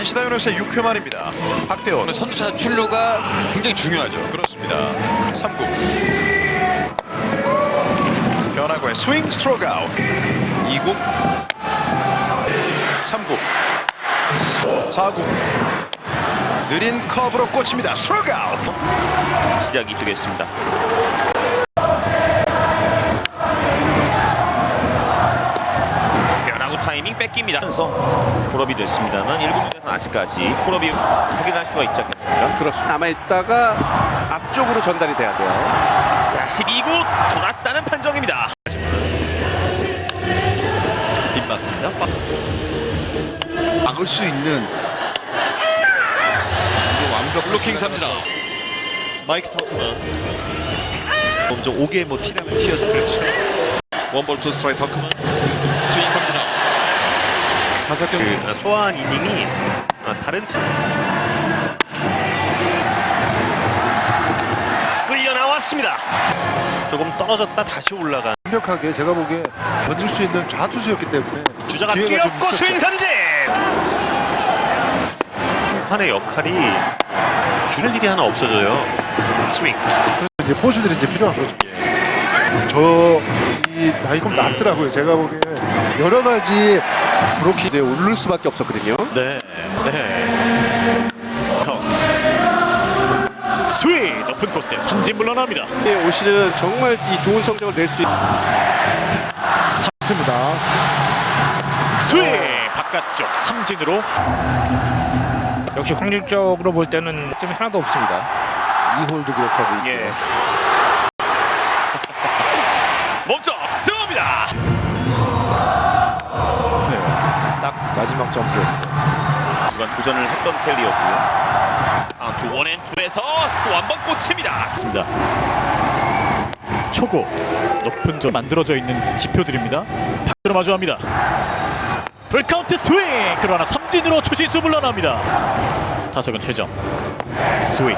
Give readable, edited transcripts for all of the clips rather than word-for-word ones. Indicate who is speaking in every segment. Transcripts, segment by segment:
Speaker 1: NC 다이노스의 6회 말입니다. 박대원
Speaker 2: 선두차 출루가 굉장히 중요하죠.
Speaker 1: 그렇습니다. 3구 변화구의 스윙 스트로크 아웃. 2구 3구 4구 느린 커브로 꽂힙니다. 스트로크 아웃.
Speaker 3: 시작이 되겠습니다. 변화구 타이밍 뺏깁니다. 그래서 콜업이 됐습니다만 1군에서는 아직까지 콜업이 확인할 수가 있지 않겠습니까?
Speaker 4: 그렇습니다. 남아있다가 앞쪽으로 전달이 돼야 돼요.
Speaker 3: 자, 12구 돌았다는 판정입니다.
Speaker 1: 빗맞습니다.
Speaker 5: 막을 수 있는 완벽한
Speaker 1: 블로킹 삼진아. 마이크 터크만 먼저 5개 뭐 티라면 티어도 그렇죠. 원볼 투 스트라이크 터크만 스윙 삼진아. 5경
Speaker 3: 소화한 이닝이 다른 팀 끌려 나왔습니다. 조금 떨어졌다 다시 올라간
Speaker 5: 완벽하게 제가 보기에 던질 수 있는 좌투수였기 때문에
Speaker 3: 주자가
Speaker 5: 기회가 좀
Speaker 3: 뛰었고
Speaker 5: 있었죠.
Speaker 3: 스윙 삼진. 판의 역할이 줄 일이 하나 없어져요. 스윙.
Speaker 5: 이제 포수들이 이제 필요한 거죠. 저 이 나이 좀 낮더라고요. 제가 보기에 여러 가지 브로킹
Speaker 4: 네, 오를 수밖에 없었거든요.
Speaker 3: 네. 카운트. 스윙 높은 코스에 삼진 물러납니다.
Speaker 4: 네, 올 시즌 정말 이 좋은 성적을 낼 수 있는
Speaker 3: 스윙 바깥쪽 삼진으로.
Speaker 6: 역시 확률적으로 볼 때는 점이 하나도 없습니다. 2홀도 기록하고 있고.
Speaker 3: 예. 멈춰 들어갑니다.
Speaker 6: 딱 마지막 점프였어요.
Speaker 3: 중간 도전을 했던 켈리였고요. 카운트 원앤투에서 또 한 번 꽂힙니다. 맞습니다. 초구 높은 점 만들어져 있는 지표들입니다. 박수로 마주합니다. 풀카운트 스윙. 그러나 삼진으로 추신수 물러납니다. 타석은 최정. 스윙.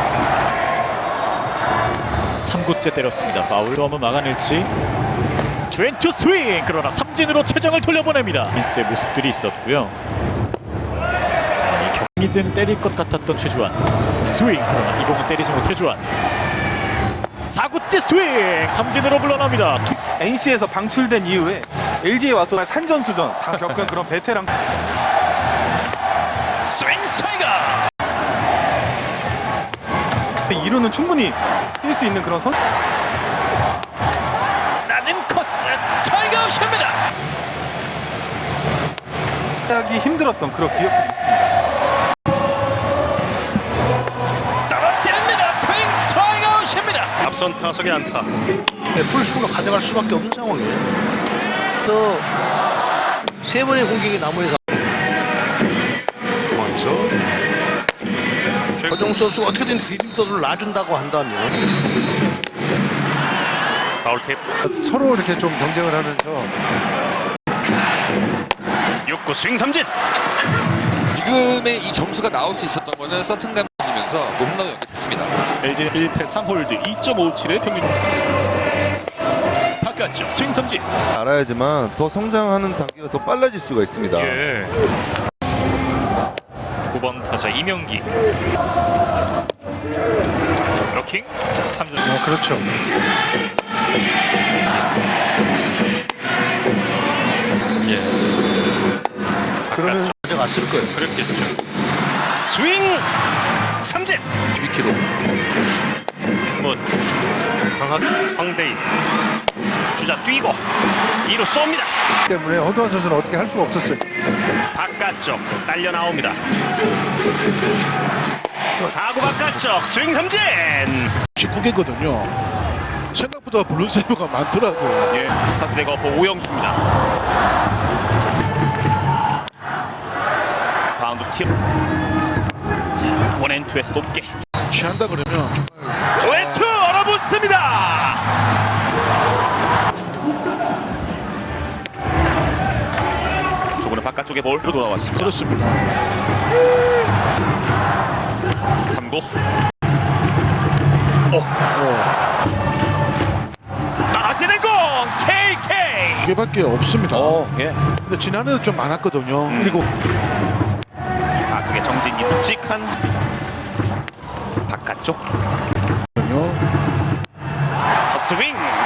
Speaker 3: 3구째 때렸습니다. 파울로 한번 막아낼지. 트렌투 스윙. 그러나 삼진으로 최정을 돌려보냅니다. 민스의 모습들이 있었고요. 자, 이 경기든 때릴 것 같았던 최주환. 스윙. 그러나 이 공은 때리지 못해 주환. 4구째 스윙. 삼진으로 물러납니다.
Speaker 7: NC에서 방출된 이후에 LG에 와서 산전수전 다 겪은 그런 베테랑.
Speaker 3: 스윙 스트라이크.
Speaker 7: 2루는 충분히 뛸 수 있는 그런 선.
Speaker 3: 낮은 코스 스트라이크 아웃입니다.
Speaker 7: 하기 힘들었던 그런 기억들이 있습니다.
Speaker 3: 떨어뜨립니다. 스윙 스트라이크 아웃입니다. 앞선 타석의 안타.
Speaker 5: 풀스코어가 가져갈 수밖에 없는 상황이에요. 또 세 번의 공격이 나무에서
Speaker 1: 상황에서
Speaker 5: 허정수 선수가 어떻게든 디딤돌을 놔준다고 한다면
Speaker 3: 파울 테이프.
Speaker 5: 서로 이렇게 좀 경쟁을 하면서
Speaker 3: 6구 스윙 삼진.
Speaker 2: 지금의 이 점수가 나올 수 있었던 거는 서튼감이면서 홈런을 연결했습니다.
Speaker 3: LG 1패 3홀드 2.57의 평균. 바깥쪽 스윙 삼진.
Speaker 8: 알아야지만 더 성장하는 단계가 더 빨라질 수가 있습니다.
Speaker 3: 예. 9번 타자 이명기. 블로킹. 3점.
Speaker 5: 그렇죠.
Speaker 3: 예.
Speaker 5: 그러면 가져갔을 거예요.
Speaker 3: 그랬겠죠. 스윙 삼진.
Speaker 5: 12kg.
Speaker 3: 뭐 강한 황대인. 주자 뛰고 2루 쏩니다.
Speaker 5: 때문에 허도한 선수는 어떻게 할 수가 없었어요.
Speaker 3: 바깥쪽 딸려 나옵니다. 4구 바깥쪽 스윙 삼진.
Speaker 6: 19개거든요. 생각보다 블루세이버가 많더라고요.
Speaker 3: 예, 차세대 거포 오영수입니다. 바운드 팁. 자, 원앤투에서 높게.
Speaker 6: 취한다 그러면
Speaker 3: 원앤투 얼어붙습니다. 조금은 바깥쪽에 볼로 돌아왔습니다.
Speaker 6: 그렇습니다.
Speaker 3: 3구. 떨어지는 공 KK.
Speaker 6: 이게밖에 없습니다.
Speaker 3: 예.
Speaker 6: 근데 지난해도 좀 많았거든요. 그리고 타석의 정진이 묵직한 바깥쪽 헛스윙